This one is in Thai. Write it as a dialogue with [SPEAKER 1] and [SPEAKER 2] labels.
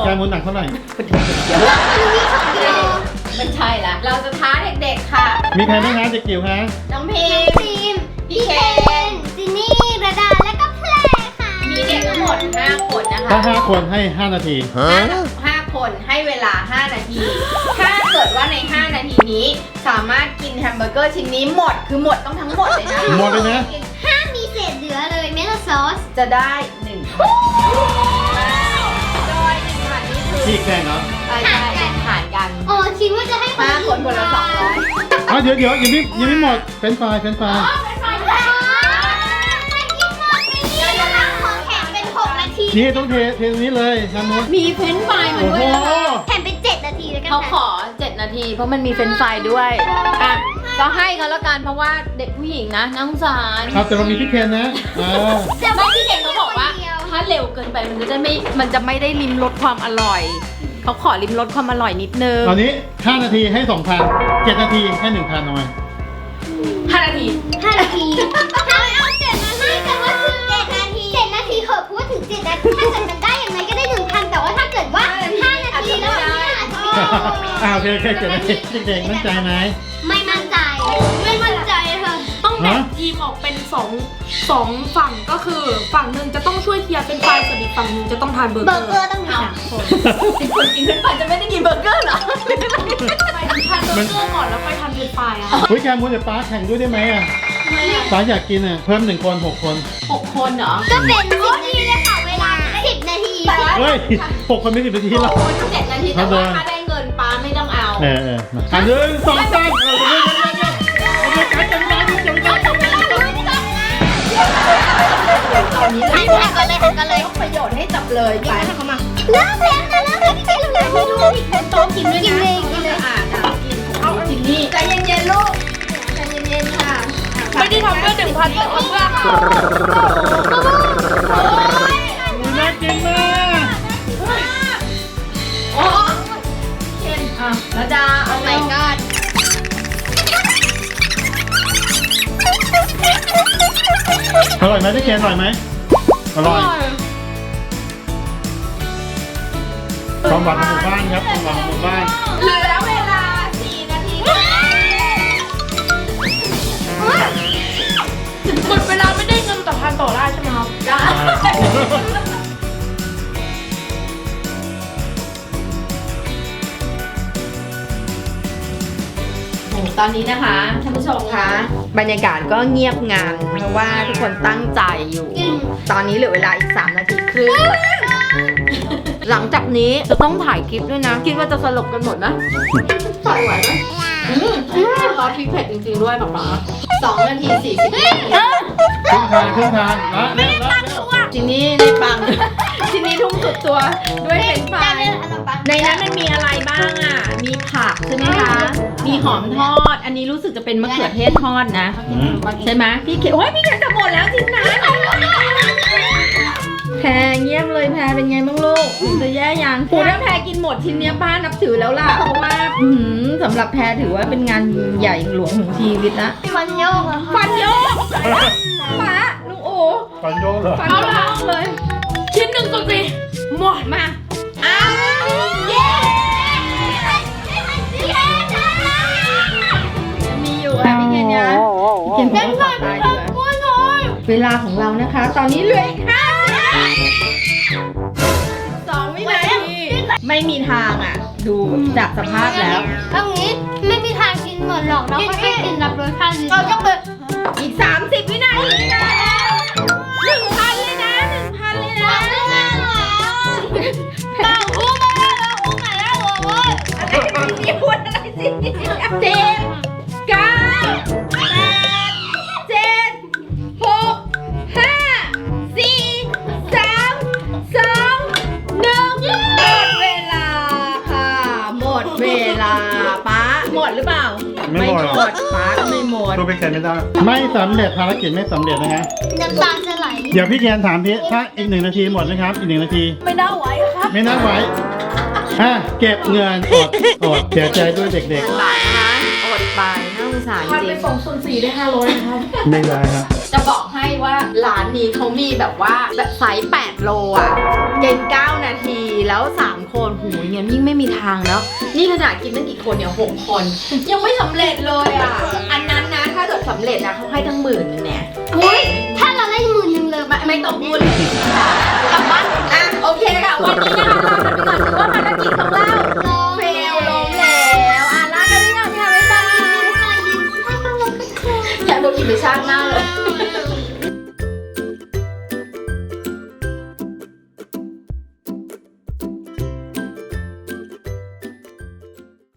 [SPEAKER 1] แกมูลหนักเท่าไหร่
[SPEAKER 2] ไม่ใช่ละเราจะท้าเด็กๆค่ะ
[SPEAKER 1] มีใครบ้างนะเด็กจิ๋วฮะ
[SPEAKER 2] น้องพิม
[SPEAKER 3] ทีม
[SPEAKER 2] พี่เคน
[SPEAKER 3] จินนี่ระดาและก็แพรค่ะ
[SPEAKER 2] มีเด็กทั้งหมด5คนนะคะ
[SPEAKER 1] ถ้า5 คนให้ 5 นาที
[SPEAKER 2] 5 คนให้เวลา5 นาที ถ้าเกิดว่าใน5 นาทีนี้สามารถกินแฮมเบอร์เกอร์ชิ้นนี้หมดคือหมดต้องทั้งหมดเลยนะ
[SPEAKER 1] หมดเลยนะ
[SPEAKER 3] ห้ามมีเศษเหลือเลยแม้แต่ซอส
[SPEAKER 2] จะได้1โดย1พันนี่คือ
[SPEAKER 1] พี่แข่งเหรอ
[SPEAKER 2] ใช่หารกัน
[SPEAKER 3] อ๋อคิดว่าจะให้
[SPEAKER 2] 5 คนคนละ200
[SPEAKER 1] อ๋อเดี๋ยวยังไม่หมดเฟรนช์ฟรายนี่ต้องเทตรงนี้เลยน้ำมด
[SPEAKER 2] มีเฟรนช์ฟรายมา
[SPEAKER 1] โอ้
[SPEAKER 2] ด้
[SPEAKER 1] โห
[SPEAKER 2] วยนะคะ
[SPEAKER 3] แถมเป็น7 นาทีแล้วกัน
[SPEAKER 2] เขาขอ7 นาทีเพราะมันมีเฟรนช์ฟรายด้วยอ่ะก็ให้เขาแล้วกันเพราะว่าเด็กผู้หญิงนะน่าสงสาร
[SPEAKER 1] ครับแต่เรามีพี่เคนนะ
[SPEAKER 2] ไม่พี่เก่งเขาบอกว่าถ้าเร็วเกินไปมันจะไม่ได้ลิ้มรสความอร่อยเขาขอลิ้มรสความอร่อยนิดนึง
[SPEAKER 1] ตอนนี้5 นาทีให้ 2,000 7 นาทีให้ 1,000หน่อย
[SPEAKER 2] 5 นาที
[SPEAKER 3] 5 นาทีถ้าเอา7 นาทีแต่ว่าถึง7 นาที7 นาทีเหอะพูดถึง7 นาทีถ้าเกิดมันได้อย่างไรก็ได้ 1,000แต่ว่าถ้าเกิดว่า5 นาทีแล้วเนี่ยอาจจะไม่
[SPEAKER 1] โอเค7 นาทีเด็กๆมั่นใจไหม
[SPEAKER 3] ไม่มั่นใจไม่มั่นใจค่ะ
[SPEAKER 4] ต้องแบ่งทีมออกเป็นสองฝั่งก็คือฝั่งหนึ่งจะต้องช่วยเคลียร์เป็นไฟส่วนอีกฝั่งหนึ่งจะต้องทานเบอร์
[SPEAKER 3] เบ
[SPEAKER 4] เก
[SPEAKER 3] อ
[SPEAKER 4] อ
[SPEAKER 3] ร์เกอ
[SPEAKER 4] ร์
[SPEAKER 3] ร์ต้องมี3 คน
[SPEAKER 2] คนกินเป็นไฟจะไม่ได้กินเบอร์เกอร์เหรอ
[SPEAKER 4] ไปทานเบอร์เกอร์ก่อนแล้วค่อยทานเป็นไฟอะ
[SPEAKER 1] เฮ้ยแกมูลเดี๋ยวป้าแข่งด้วยได้ไหมอ่ะป้าอยากกินอ่ะเพิ่ม1 คน 6 คน
[SPEAKER 2] 6 คนเหรอ
[SPEAKER 3] ก็เป็น10 นาทีเลยค่ะเวลา10 นาที
[SPEAKER 1] เฮ้ย6 คนไม่10 นาทีหรอก
[SPEAKER 2] คน7 นาทีแต่ว่าถ้าได้เงินป้าไม่ต้องเอา
[SPEAKER 1] มาอันหนึ่ง2 3
[SPEAKER 2] ตอนนี้
[SPEAKER 3] หันกันเลย
[SPEAKER 2] ยกประโยชน์ให้จับเลยไป
[SPEAKER 4] เข้ามา
[SPEAKER 3] เลิกเพลงนะเลิกเพลงที่ใช่เลยไม่รู้ดิโต๊ะกินด้วยกินเลยกินเลย
[SPEAKER 2] อ่ากินเอาจินนี่ใจเย็นๆลูกใจเย็นๆค่ะ
[SPEAKER 4] ไม่ได้ทำเพื่อ1,000แต่ทำเพื่อค่ะ
[SPEAKER 1] น่ากินมาก
[SPEAKER 2] โอ้เคนอ่ะแล้วจะเอาไหนก็
[SPEAKER 1] อร่อยไหมพี่เคนอร่อยไหมอร่อยความหวานของหมู่บ้านครับความหวานของหมู่บ้าน
[SPEAKER 2] เหลือเวลา4 นาที
[SPEAKER 4] หมดเวลาไม่ได้เงินแต่ทานต่อได้ใช่ไหมครับ
[SPEAKER 2] ตอนนี้นะคะท่านผู้ชมคะบรรยากาศก็เงียบงันเพราะว่าทุกคนตั้งใจอยู่ ตอนนี้เหลือเวลาอีก3 นาทีครึ่งหลังจากนี้จะต้องถ่ายคลิปด้วยนะ คิดว่าจะสลบกันหมดนะถ่ายไหวไหมซอสพริกเผ็ดจริงๆด้วยป๊าป๊า2 นาที 40 นาที
[SPEAKER 1] ครึ่งทางไม่ได้ตั้งตัว
[SPEAKER 2] ทีนี้ในปัง ทีนี้ทุ่มสุดตัวด้วยเป็นไฟในนั้นมันมีอะไรบ้างอ่ะ มีผักใช่ไหมคะ มีหอมทอด อันนี้รู้สึกจะเป็นมะเขือเทศทอดนะ ใช่ไหมพี่เขียวโอ้ยพี่เขียวจะหมดแล้วจริงนะแพรเงียบเลยแพรเป็นไงบ้างลูกจะแย่ยังปูถ้าแพรกินหมดชิ้นเนี้ยป้านับถือแล้วล่ะ เพราะว่าสำหรับแพรถือว่าเป็นงานใหญ่หลวงของชีวิตนะ
[SPEAKER 3] ฟันโยกอะ
[SPEAKER 2] ฟันโยกป้าลุงโอ
[SPEAKER 1] ฟันโยกเหรอ
[SPEAKER 2] ฟันโยกเลย
[SPEAKER 4] ชิ้นหนึ่งสุดสิหมด
[SPEAKER 2] มาอ้าวเย้มีอยู่อ่ะพี่เคนยะพี่เคนขอตายดีกว่าเวลาของเรานะคะ ตอนนี้เหลืออีก2 วินาที ไม่มีทางอ่ะ ดูจากสภาพแล้ว
[SPEAKER 3] ตรงนี้ไม่มีทางกินหมดหรอกเราก็ให้กินรับรสชาติเราต้องไป
[SPEAKER 2] อีก30 วินาทีนะ1,000 เลยนะ 1,000 เลยนะ
[SPEAKER 3] ต่างคู่มาแล้วคู่มาแล้วโว้ย
[SPEAKER 2] อะไรสิพูดอะไรสิ10 9 8 7 6 5 4 3 2 1 หมดเวลาค่ะ หมดเวลาป๊าหมดหรือเปล่า
[SPEAKER 1] ไม่หมด
[SPEAKER 2] ป๊าก็ไม่หมด
[SPEAKER 1] ตัวเป็นแคนไม่ได้ไม่สำเร็จภารกิจไม่สำเร็จนะฮะ
[SPEAKER 3] น้ำตาจะไหล
[SPEAKER 1] เดี๋ยวพี่แคนถามพี่ถ้าอีก1 นาทีหมดนะครับอีก1 นาที
[SPEAKER 4] ไม่น่าไหวครับ
[SPEAKER 1] ไม่น่าไหวเก็บเงินอดเสียใจด้วยเด็ก
[SPEAKER 2] บาทนะคะอดไปน่าสงสาร
[SPEAKER 4] ทาน
[SPEAKER 2] จ
[SPEAKER 4] ไป
[SPEAKER 2] ริง
[SPEAKER 4] 2/4ได้500นะครับ
[SPEAKER 1] ๆไม่ได้ครับ
[SPEAKER 2] จะบอกให้ว่าร้านนี้เขามีแบบว่าแบบไซส์8 โลอ่ะเกิน9 นาทีแล้ว3 คคนหูยงั้นยิ่งไม่มีทางแล้วนี่ขนาดกินตั้งกี่คนเนี่ย6 คนยังไม่สำเร็จเลยอ่ะอันนั้นนะถ้าเกิดสำเร็จนะเขาให้ทั้ง10,000เนี่ย
[SPEAKER 3] เฮ้ยถ้าเราได้10,000เลย
[SPEAKER 2] ไม่ต้องพูดเลยกลับบ้านอ่ะโอเคค่ะวันนี้นะคะเราจะไปก่อนถือว่าภารกิจของเราเฟลลงแล้วลากันไปก่อนค่ะบ๊ายบายอยากโดนอิมไปชาติหน้าเลย